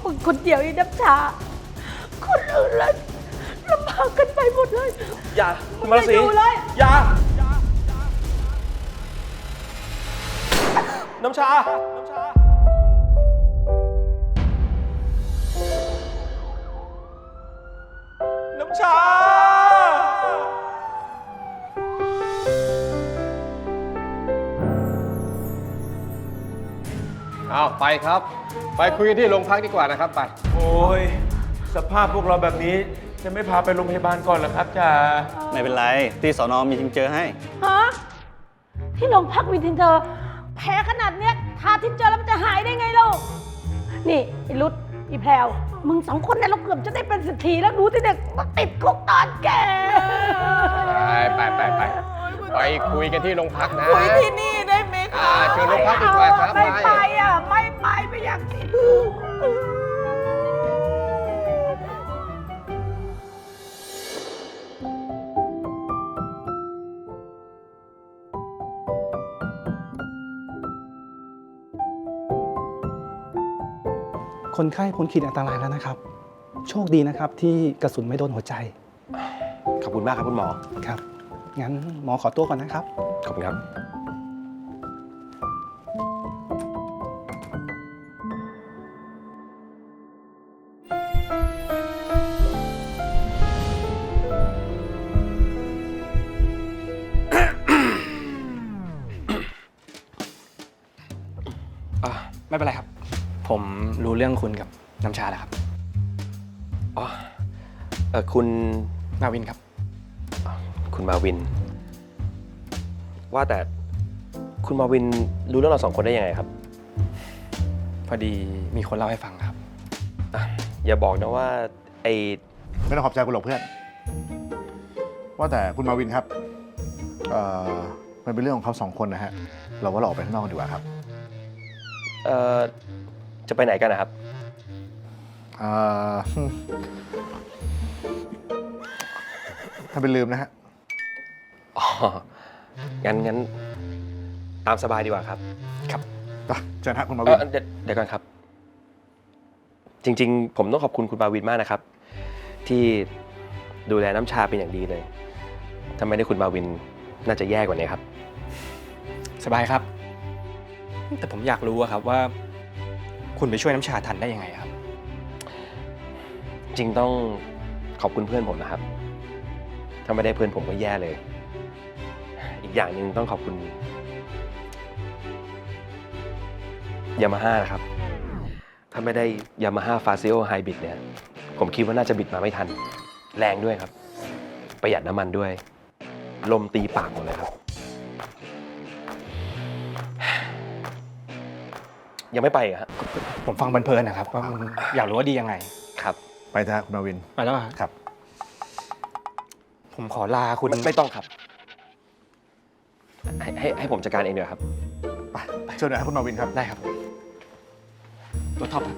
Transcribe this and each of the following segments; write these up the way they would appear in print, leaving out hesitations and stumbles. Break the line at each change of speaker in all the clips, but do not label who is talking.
มึงคนเดียวไอ้น้ำชาคนอื่นแล้วลำบากกันไปหมดเลย
อย่ามาสี
อยู่เลย
อย่าน้ำชาน้ำชา
เอาไปครับไปคุยกันที่โรงพักดีกว่านะครับไป
โอ้ยสภาพพวกเราแบบนี้จะไม่พาไปโรงพยาบาลก่อนเหรอครับจ่า
ไม่เป็นไรที่สนมีทิงเจอให้
ฮะที่โรงพักวินทินเธอแผลขนาดเนี้ยทาทินเจอแล้วมันจะหายได้ไงลูกนี่ไอ้รุดอีแพรวมึง2 คนเนี่ยเราเกือบจะได้เป็นเศรษฐีแล้วดูที่เด็กมาติดคุกตอนแก่
ไปคุยกันที่โรงพักนะ
คุยที่นี่ได้ไหมคะ
เชิญโรงพักดีกว่าครับ
ไม่ไปอ่ะไม่อยากติด
คนไข้พ้นขีดอันตรายแล้วนะครับ โชคดีนะครับที่กระสุนไม่โดนหัวใจ
ขอบคุณมากครับคุณหมอ
ครับ งั้นหมอขอตัวก่อนนะครับ
ขอบคุณครับ
ไม่เป็นไรครับ ผมรู้เรื่องคุณกับน้ำชาแล้วครับ
อ๋อคุณ
มาวินครับ
คุณมาวิน ว่าแต่คุณมาวินรู้เรื่องเรา2 คนได้ยังไงครับ
พอดีมีคนเล่าให้ฟังครับ
อย่าบอกนะว่า
ไม่ต้องขอบใจคุณหรอกเพื่อน ว่าแต่คุณมาวินครับมันเป็นเรื่องของเขา2 คนนะฮะ เราว่าเราออกไปข้างนอกกันดีกว่าครับ
จะไปไหนกันนะครับ
ถ้าเป็นลืมนะฮะ
อ๋อ งั้นตามสบายดีกว่าครับ
ครับเชิญฮะคุณมาวิน
เดี๋ยวก่อนครับ จริงๆ ผมต้องขอบคุณคุณมาวินมากนะครับ ที่ดูแลน้ำชาเป็นอย่างดีเลย ถ้าไม่ได้คุณมาวินน่าจะแย่กว่านี้ครับ
สบายครับ แต่ผมอยากรู้อะครับว่า คุณไปช่วยน้ำชาทันได้ยังไงครับ
จริงต้องขอบคุณเพื่อนผมนะครับ ถ้าไม่ได้เพื่อนผมก็แย่เลย อีกอย่างหนึ่งต้องขอบคุณยามาฮ่านะครับ ถ้าไม่ได้ยามาฮ่าฟาซิโอไฮบริดเนี่ย ผมคิดว่าน่าจะบิดมาไม่ทัน แรงด้วยครับ ประหยัดน้ำมันด้วย ลมตีปากหมดเลยครับ ยังไม่ไปเหรอฮะ
ผมฟังเพลินๆนะครับว่ามันอยากรู้ว่าดียังไง
ครับ
ไปเถอะคุณมาวิน
ไปแล้วเหรอ
ครับ
ผมขอลาคุณ
ไม่ต้องครับ ให้ผมจัดการเองเดี๋ยวครับ
ไปเชิญหน่อยครับคุณมาวินครับ
ได้ครับตัวท็อปครับ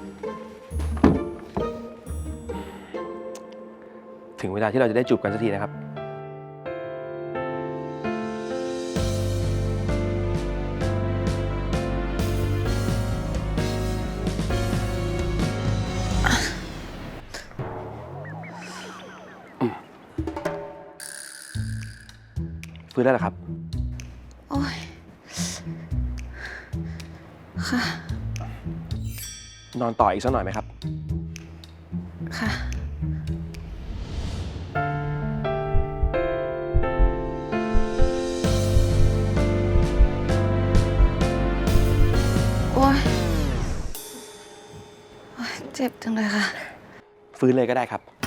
ถึงเวลาที่เราจะได้จูบกันสักทีนะครับ ฟื้นได้แล้วครับ
โอ้ย ค่ะ
นอนต่ออีกสักหน่อยไหมครับ
ค่ะ โอ้ย เจ็บจังเลยค่ะ
ฟื้นเลยก็ได้ครับ